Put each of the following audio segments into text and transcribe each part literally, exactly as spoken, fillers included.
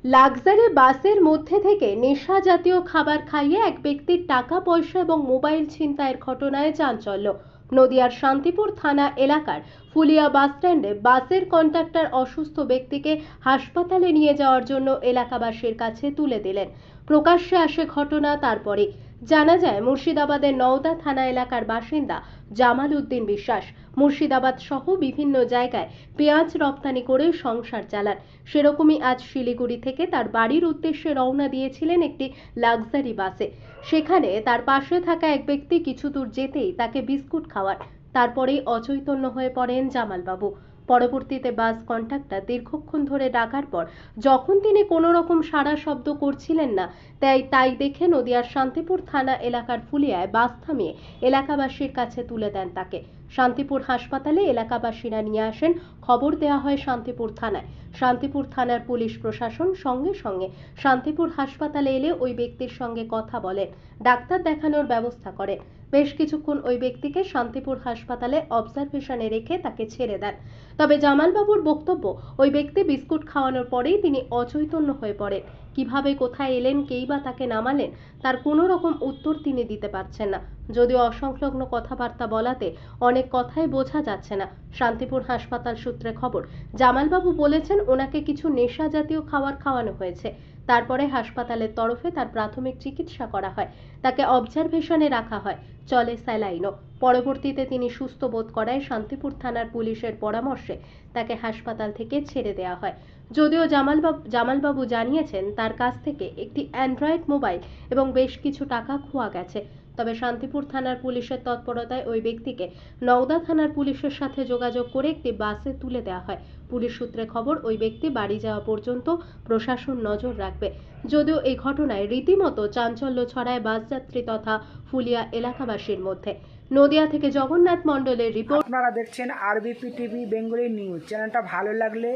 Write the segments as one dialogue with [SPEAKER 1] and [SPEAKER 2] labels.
[SPEAKER 1] Luxury বাসের মধ্যে থেকে নেশা জাতীয় খাবার খাইয়ে এক ব্যক্তির টাকা পয়সা এবং মোবাইল ছিনতাইয়ের ঘটনায় চাঞ্চল্য। নদিয়ার শান্তিপুর থানা এলাকার ফুলিয়া বাসস্ট্যান্ডে বাসের কন্ডাক্টর অসুস্থ ব্যক্তিকে হাসপাতালে নিয়ে যাওয়ার জন্য এলাকাবাসীর কাছে তুলে দিলেন। প্রকাশ্যে আসে ঘটনা তারপরে জানা যায় মুর্শিদাবাদের নওদা থানা এলাকার বাসিন্দা জামাল উদ্দিন বিশ্বাস মুর্শিদাবাদ সহ বিভিন্ন জায়গায় পেঁয়াজ রপ্তানি করে সংসার চালান। সেরকমই আজ শিলিগুড়ি থেকে তার বাড়ির উদ্দেশ্যে রওনা দিয়েছিলেন একটি লাক্সারি বাসে। সেখানে তার পাশে থাকা এক ব্যক্তি কিছু দূর যেতেই তাকে বিস্কুট খাওয়ান, তারপরেই অচৈতন্য হয়ে পড়েন জামালবাবু। পরবর্তীতে বাস কন্ডাক্টর দীর্ঘক্ষণ ধরে ডাকার পর যখন তিনি কোনো রকম সাড়া শব্দ করছিলেন না, তাই তাই দেখে নদিয়ার শান্তিপুর থানা এলাকার ফুলিয়ায় বাস থামিয়ে এলাকাবাসীর কাছে তুলে দেন তাকে। শান্তিপুর হাসপাতালে এলাকাবাসীরা নিয়ে আসেন, খবর দেওয়া হয় শান্তিপুর থানায়। শান্তিপুর থানার পুলিশ প্রশাসন সঙ্গে সঙ্গে শান্তিপুর হাসপাতালে এলে ওই ব্যক্তির সঙ্গে কথা বলেন, ডাক্তার দেখানোর ব্যবস্থা করেন। বেশ কিছুক্ষণ ওই ব্যক্তিকে শান্তিপুর হাসপাতালে অবজারভেশনে রেখে তাকে ছেড়ে দেন। তবে জামালবাবুর বক্তব্য, ওই ব্যক্তি বিস্কুট খাওয়ানোর পরেই তিনি অচৈতন্য হয়ে পড়েন। কিভাবে কোথায় এলেন, কেই বা তাকে নামালেন, তার কোনো রকম উত্তর তিনি দিতে পারছেন না। যদিও অসংলগ্ন কথাবার্তা বলাতে অনেক কথাই বোঝা যাচ্ছে না। শান্তিপুর হাসপাতাল সূত্রে খবর, জামালবাবু বলেছেন ওনাকে কিছু নেশা জাতীয় খাবার খাওয়ানো হয়েছে। তারপরে হাসপাতালের তরফে তার প্রাথমিক চিকিৎসা করা হয়, তাকে অবজারভেশনে রাখা হয়, চলে স্যালাইনও। পরবর্তীতে তিনি সুস্থ বোধ করায় শান্তিপুর থানার পুলিশের পরামর্শে তাকে হাসপাতাল থেকে ছেড়ে দেওয়া হয়। যদিও জামালবাবু জামালবাবু জানিয়েছেন তার কাছ থেকে একটি অ্যান্ড্রয়েড মোবাইল এবং বেশ কিছু টাকা খোয়া গেছে। তবে শান্তিপুর থানার পুলিশের তৎপরতায় ওই ব্যক্তিকে নওদা থানার পুলিশের সাথে যোগাযোগ করে একটি বাসে তুলে দেওয়া হয়। পুলিশ সূত্রে খবর, ওই ব্যক্তি বাড়ি যাওয়া পর্যন্ত প্রশাসন নজর রাখবে। যদিও এই ঘটনায় রীতিমতো চাঞ্চল্য ছড়ায় বাসযাত্রী তথা ফুলিয়া এলাকাবাসীর মধ্যে। নদিয়া থেকে জগন্নাথ মণ্ডলের রিপোর্ট।
[SPEAKER 2] আপনারা দেখছেন আরবিপি টিভি বেঙ্গলি নিউজ। চ্যানেলটা ভালো লাগলে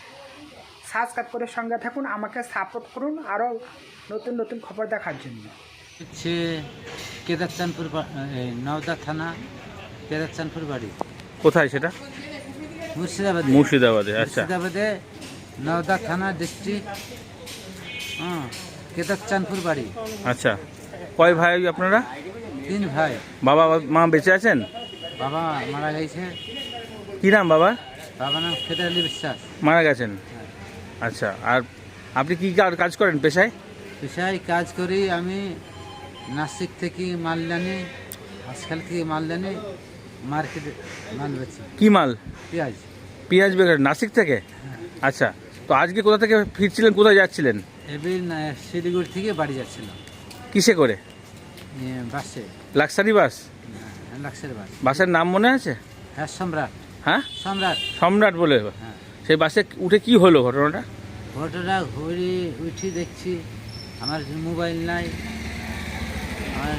[SPEAKER 2] সাবস্ক্রাইব করে সঙ্গে থাকুন, আমাকে সাপোর্ট করুন আরও নতুন নতুন খবর দেখার জন্য।
[SPEAKER 3] হচ্ছে কেদারচাঁদপুর, নওদা থানা কেদারচাঁদপুর বাড়ি।
[SPEAKER 4] কোথায় সেটা?
[SPEAKER 3] মুর্শিদাবাদে।
[SPEAKER 4] মুর্শিদাবাদে, আচ্ছা।
[SPEAKER 3] মুর্শিদাবাদে নওদা থানা ডিস্ট্রিক্ট, হ্যাঁ, কেদারচাঁদপুর বাড়ি।
[SPEAKER 4] আচ্ছা, কয় ভাই আপনারা?
[SPEAKER 3] তিন ভাই।
[SPEAKER 4] বাবা মা বেঁচে আছেন?
[SPEAKER 3] বাবা মারা গেছে।
[SPEAKER 4] কি নাম বাবা?
[SPEAKER 3] বাবা নাম ফেদার আলী বিশ্বাস।
[SPEAKER 4] মারা গেছেন, আচ্ছা। আর আপনি কি কার- কাজ করেন পেশায়?
[SPEAKER 3] পেশায় কাজ করি আমি। নাসিক থেকে মালদানি, হাসখাল থেকে মালদানি মার্কেটে মাল বেচি।
[SPEAKER 4] কি মাল?
[SPEAKER 3] পেঁয়াজ।
[SPEAKER 4] পেঁয়াজ বেকার, নাসিক থেকে? আচ্ছা, তো আজকে কোথা থেকে ফিরছিলেন, কোথায় যাচ্ছিলেন?
[SPEAKER 3] এবার শিলিগুড়ি থেকে বাড়ি যাচ্ছিল
[SPEAKER 4] কিসে করে?
[SPEAKER 3] এ, বাসে।
[SPEAKER 4] Luxury bus?
[SPEAKER 3] Luxury bus.
[SPEAKER 4] বাসের নাম মনে আছে?
[SPEAKER 3] হ্যাঁ, সম্রাট।
[SPEAKER 4] হ্যাঁ,
[SPEAKER 3] সম্রাট।
[SPEAKER 4] সম্রাট বলে।
[SPEAKER 3] হ্যাঁ।
[SPEAKER 4] সেই বাসে উঠে কি হলো ঘটনাটা?
[SPEAKER 3] ঘটনা ঘুরে উঠি দেখছি আমার মোবাইল নাই, আমার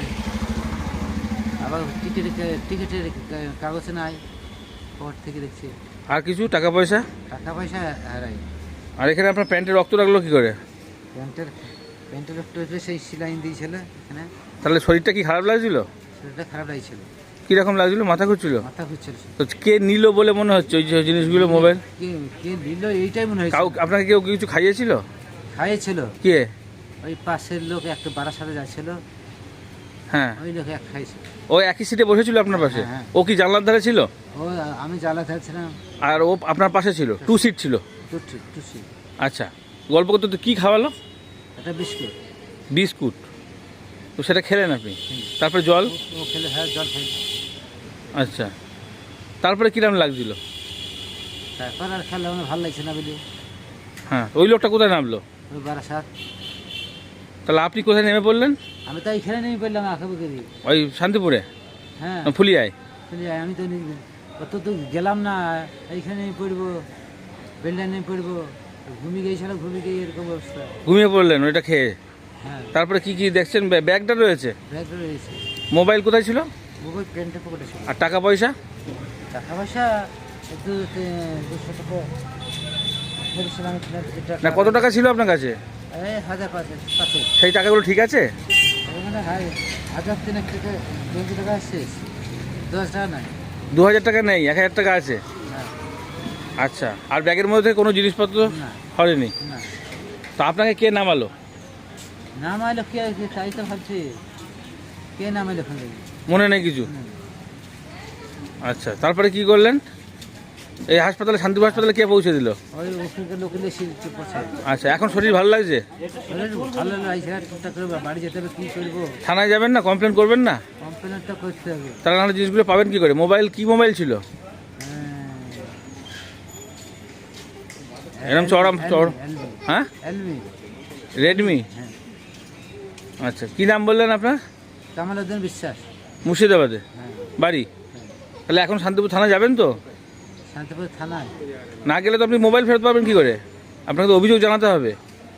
[SPEAKER 3] আবার টিকিট টিকিটের কাগজ নাই। পর থেকে দেখছি
[SPEAKER 4] আর কিছু টাকা পয়সা?
[SPEAKER 3] টাকা পয়সা হারাই।
[SPEAKER 4] আর এখানে আপনার প্যান্টে রক্ত লাগলো কি করে?
[SPEAKER 3] প্যান্টের প্যান্টের একটু সেই সিলাইন দিয়েছিল এখানে।
[SPEAKER 4] তাহলে শরীরটা কি খারাপ লাগছিল?
[SPEAKER 3] শরীরটা খারাপ লাগছিল।
[SPEAKER 4] কিরকম লাগছিল? মাথা ঘুরছিল?
[SPEAKER 3] মাথা ঘুরছিল।
[SPEAKER 4] তো কে নিল বলে মনে হচ্ছে ওই যে জিনিসগুলো, মোবাইল?
[SPEAKER 3] কে কে দিল এইটাই মনে হয়েছে।
[SPEAKER 4] কাউ আপনাকে কেউ কিছু খাইয়েছিল?
[SPEAKER 3] খাইয়েছিল।
[SPEAKER 4] কে?
[SPEAKER 3] ওই পাশের লোক একটা বাড়ার সাথে যাচ্ছিল,
[SPEAKER 4] হ্যাঁ,
[SPEAKER 3] ওই লোক এক খাইছে।
[SPEAKER 4] ও একই সিটে বসেছিল আপনার পাশে?
[SPEAKER 3] হ্যাঁ, হ্যাঁ।
[SPEAKER 4] ও কি জানলার ধারে ছিল?
[SPEAKER 3] ও আমি জ্বালা থাকছিলাম
[SPEAKER 4] আর ও আপনার পাশে ছিল? টু সিট ছিল?
[SPEAKER 3] টুসি টুসি।
[SPEAKER 4] আচ্ছা, গল্প করতে তো কি খাওয়ালো?
[SPEAKER 3] একটা বিস্কুট।
[SPEAKER 4] বিস্কুট? তো সেটা খেলেন আপনি? তারপরে জল?
[SPEAKER 3] ও- ও খেলে, হ্যাঁ, জল খাই।
[SPEAKER 4] আচ্ছা, তারপরে কিরম লাগছিল?
[SPEAKER 3] তারপর আর খেলে আমার ভালো লাগছে না বলি
[SPEAKER 4] হ্যাঁ, ওই লোকটা কোথায় নামলো?
[SPEAKER 3] ওই বারাসাত।
[SPEAKER 4] তাহলে আপনি কোথায় নেমে পড়লেন?
[SPEAKER 3] আমি তো এইখানে নেমে পড়লাম আঁকাবুকে দিয়ে।
[SPEAKER 4] ওই শান্তিপুরে?
[SPEAKER 3] হ্যাঁ,
[SPEAKER 4] না, ফুলিয়ায়?
[SPEAKER 3] চলে যাই। আমি তো নি- অত তো গেলাম না, এইখানে নেমে পড়বো, বেলডায় নেমে পড়বো। ঘুমিয়ে গিয়েছিল, ঘুমিয়ে গিয়ে এরকম অবস্থা।
[SPEAKER 4] ঘুমিয়ে পড়লেন ওইটা খেয়ে?
[SPEAKER 3] হ্যাঁ,
[SPEAKER 4] তারপরে কি কি দেখছেন? ব্যাগ- ব্যাগটা রয়েছে?
[SPEAKER 3] ব্যাগ রয়েছে।
[SPEAKER 4] মোবাইল কোথায় ছিল?
[SPEAKER 3] মোবাইল প্যান্টের পকেটে ছিল।
[SPEAKER 4] আর টাকা পয়সা?
[SPEAKER 3] টাকা পয়সা একটু তে- দুশো টাকা বলেছিলাম।
[SPEAKER 4] না, কত টাকা ছিল আপনার কাছে?
[SPEAKER 3] এই হাজার পাঁচ পাঁচে।
[SPEAKER 4] সেই টাকাগুলো ঠিক আছে?
[SPEAKER 3] ওখানে হাই- হাজার তিনেক টাকা, দুশো টাকা শেষ, দশ টাকা নাই।
[SPEAKER 4] দু হাজার টাকা নেই, এক হাজার টাকা আছে?
[SPEAKER 3] হ্যাঁ,
[SPEAKER 4] আচ্ছা, আর ব্যাগের মধ্যে কোনো জিনিসপত্র
[SPEAKER 3] না
[SPEAKER 4] হয়নি?
[SPEAKER 3] না।
[SPEAKER 4] তো আপনাকে কে নামালো?
[SPEAKER 3] নাম আইলো কে কে তাই তো ভাবছি কে নাম আইলো ফোন
[SPEAKER 4] মনে নেই কিছু? আচ্ছা, তারপরে কি করলেন? এই হাসপাতালে, শান্তিপুর হাসপাতালে কে পৌঁছে দিল?
[SPEAKER 3] ওই ওখানকার লোকের সিট পড়ছে।
[SPEAKER 4] আচ্ছা, এখন শরীর ভালো লাগছে?
[SPEAKER 3] ভালো লাগছে, আর চিন্তা করবো বাড়ি যেতে হবে, কী করবো?
[SPEAKER 4] থানায় যাবেন না, কমপ্লেন করবেন না?
[SPEAKER 3] কমপ্লেনটা করতে হবে।
[SPEAKER 4] তারা নাহলে জিনিসগুলো পাবেন কি করে? মোবাইল, কি মোবাইল ছিল? এরকম চড়া চড় হ্যাঁ,
[SPEAKER 3] এলমি
[SPEAKER 4] রেডমি।
[SPEAKER 3] হ্যাঁ।
[SPEAKER 4] আচ্ছা, কি নাম বললেন আপনার?
[SPEAKER 3] কামাল উদ্দিন বিশ্বাস।
[SPEAKER 4] মুর্শিদাবাদে
[SPEAKER 3] হ্যাঁ।
[SPEAKER 4] বাড়ি? তাহলে এখন শান্তিপুর থানা যাবেন তো?
[SPEAKER 3] শান্তিপুর থানায়
[SPEAKER 4] না গেলে তো আপনি মোবাইল ফেরত পাবেন কি করে? আপনাকে তো অভিযোগ জানাতে হবে।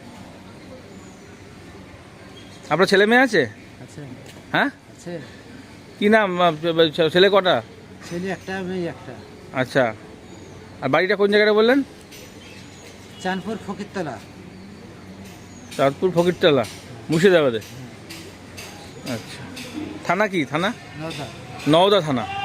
[SPEAKER 4] আপনার ছেলে মেয়ে আছে?
[SPEAKER 3] আছে।
[SPEAKER 4] হ্যাঁ,
[SPEAKER 3] আছে।
[SPEAKER 4] কি নাম? আহ, ছেলে কটা?
[SPEAKER 3] ছেলে একটা, মেয়ে একটা।
[SPEAKER 4] আচ্ছা, আর বাড়িটা কোন জায়গাটা বললেন?
[SPEAKER 3] চাঁদপুর ফকিরতলা।
[SPEAKER 4] চাঁদপুর ফকিরতলা, মুর্শিদাবাদে। আচ্ছা, থানা কি? থানা
[SPEAKER 3] নওদা।
[SPEAKER 4] নওদা থানা।